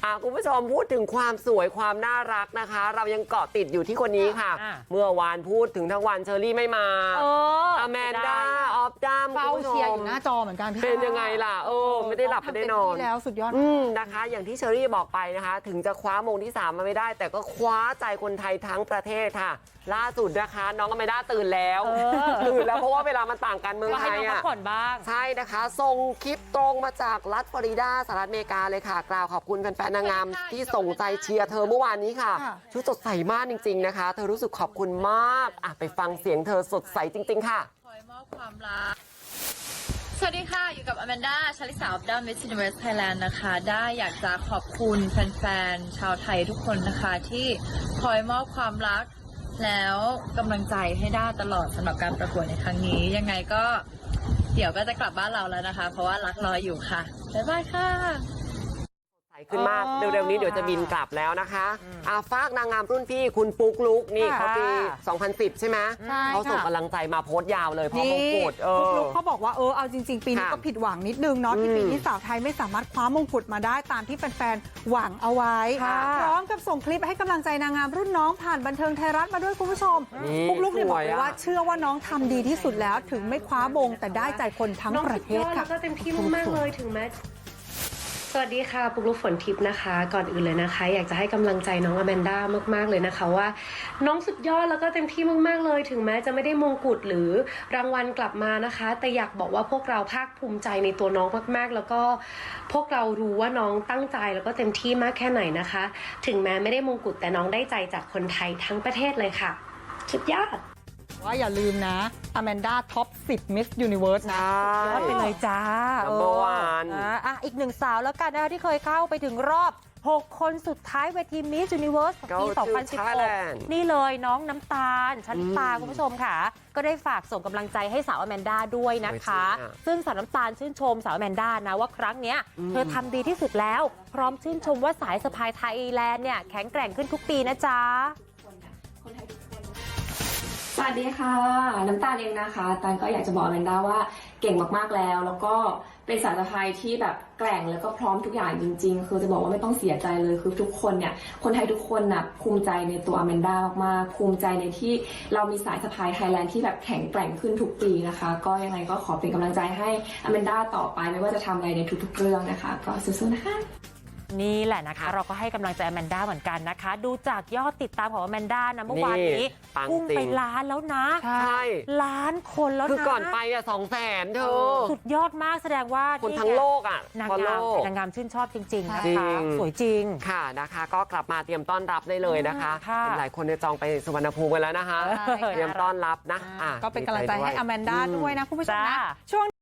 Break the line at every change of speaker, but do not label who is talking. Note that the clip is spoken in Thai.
คุณผู้ชมพูดถึงความสวยความน่ารักนะคะ เรายังเกาะติดอยู่ที่คนนี้ค่ะ เมื่อวานพูดถึงทั้งวันเชอรี่ไม่มาอแมนด้าออฟดัม
เฝ้าเชียร์อยู่หน้าจอเหมือนกันพี่
เป็นยังไงล่ะไม่ได้หลับไม่ได้นอน
แล้วสุดยอด
นะคะอย่างที่เชอรี่บอกไปนะคะถึงจะคว้ามงที่3มาไม่ได้แต่ก็คว้าใจคนไทยทั้งประเทศค่ะล่าสุดนะคะน้องอแมนด้าตื่นแล้วเพราะว่าเวลามันต่างกันเมืองไทยอ่ะใช่นะคะส่งคลิปตรงมาจากรัฐฟลอริดาสหรัฐอเมริกาเลยค่ะกล่าวขอบคุณแฟนๆนางงามที่ส่งใจเชียร์เธอเมื่อวานนี้ค่ะชุดสดใสมากจริงๆนะคะเธอรู้สึกขอบคุณมากไปฟังเสียงเธอสดใสจริงๆค่ะ
คอยมอบความรักสวัสดีค่ะอยู่กับอแมนด้าชลิสา of the Miss Universe Thailand นะคะได้อยากจะขอบคุณแฟนๆชาวไทยทุกคนนะคะที่คอยมอบความรักแล้วกำลังใจให้ด้าตลอดสำหรับการประกวดในครั้งนี้ยังไงก็เดี๋ยวก็จะกลับบ้านเราแล้วนะคะเพราะว่ารักรออยู่ค่ะบ๊ายบายค่ะ
ขึ้นมากเร็วๆนี้เดี๋ยวจะบินกลับแล้วนะคะฝากนางงามรุ่นพี่คุณปุ๊กลุกนี่เขาปี 2010 ใช่ไหมเขาส่งกำลังใจมาโพสต์ยาวเลยพอมงกุฎ
ปุ๊กลุกเขาบอกว่าเอาจริงๆปีนี้ก็ผิดหวังนิดนึงเนาะที่ปีนี้สาวไทยไม่สามารถคว้ามงกุฎมาได้ตามที่แฟนๆหวังเอาไว้พร้อมกับส่งคลิปให้กำลังใจนางงามรุ่นน้องผ่านบันเทิงไทยรัฐมาด้วยคุณผู้ชมปุ๊กลุกเนี่ยบอกเลยว่าเชื่อว่าน้องทำดีที่สุดแล้วถึงไม่คว้ามงแต่ได้ใจคนทั้งประเทศค่ะ
ก็เต็มที่มากๆเลยถึงแม้สวัสดีค่ะปุ๊กลุกฝนทิพย์นะคะก่อนอื่นเลยนะคะอยากจะให้กำลังใจน้องอแมนด้ามากๆเลยนะคะว่าน้องสุดยอดแล้วก็เต็มที่มากๆเลยถึงแม้จะไม่ได้มงกุฎหรือรางวัลกลับมานะคะแต่อยากบอกว่าพวกเราภาคภูมิใจในตัวน้องมากๆแล้วก็พวกเรารู้ว่าน้องตั้งใจแล้วก็เต็มที่มากแค่ไหนนะคะถึงแม้ไม่ได้มงกุฎแต่น้องได้ใจจากคนไทยทั้งประเทศเลยค่ะสุดยอด
ว่าอย่าลืมนะอแมนด้าท็อป 10 Miss Universe นะยอดไปเลยจ้า
อีกหนึ่งสาวแล้วกันนะคะที่เคยเข้าไปถึงรอบ6 คนสุดท้ายเวที Miss Universe ปี 2016 นี่เลยน้องน้ำตาลชลิตาคุณผู้ชมค่ะก็ได้ฝากส่งกำลังใจให้สาวอแมนด้าด้วยนะคะซึ่งสาวน้ำตาลชื่นชมสาวอแมนด้านะว่าครั้งนี้เธอทำดีที่สุดแล้วพร้อมชื่นชมว่าสายสะพายไทยแลนด์เนี่ยแข็งแกร่งขึ้นทุกปีนะจ๊ะ
สวัสดีค่ะน้ำตาลเองนะคะตาลก็อยากจะบอกแมนด้าว่าเก่งมากๆแล้วก็เป็นสาวสะพายที่แบบแกร่งแล้วก็พร้อมทุกอย่างจริงๆคือจะบอกว่าไม่ต้องเสียใจเลยคือทุกคนเนี่ยคนไทยทุกคนน่ะภูมิใจในตัวแมนด้ามากๆภูมิใจในที่เรามีสายสะพายไทยแลนด์ที่แบบแข็งแกร่งขึ้นทุกปีนะคะก็ยังไงก็ขอเป็นกำลังใจให้แมนด้าต่อไปไม่ว่าจะทำอะไรในทุกๆเรื่องนะคะก็สู้ๆนะคะ
นี่แหละนะคะเราก็ให้กำลังใจอแมนด้าเหมือนกันนะคะดูจากยอดติดตามของอแมนด้านะเมื่อวานนี้พุ่งไปล้านแล้วนะ
ใช่
ล้านคนแล้วนะ
คือก่อนไป200,000เธอ
สุดยอดมากแสดงว่า
คนทั้งโลก
นางงามชื่นชอบจริงๆนะคะสวยจริง
ค่ะนะคะก็กลับมาเตรียมต้อนรับได้เลยนะคะหลายคนจองไปสุวรรณภูมิกันแล้วนะคะเตรียมต้อนรับนะ
ก็เป็นกำลังใจให้อแมนด้าด้วยนะคุณผู้ชมนะช่วง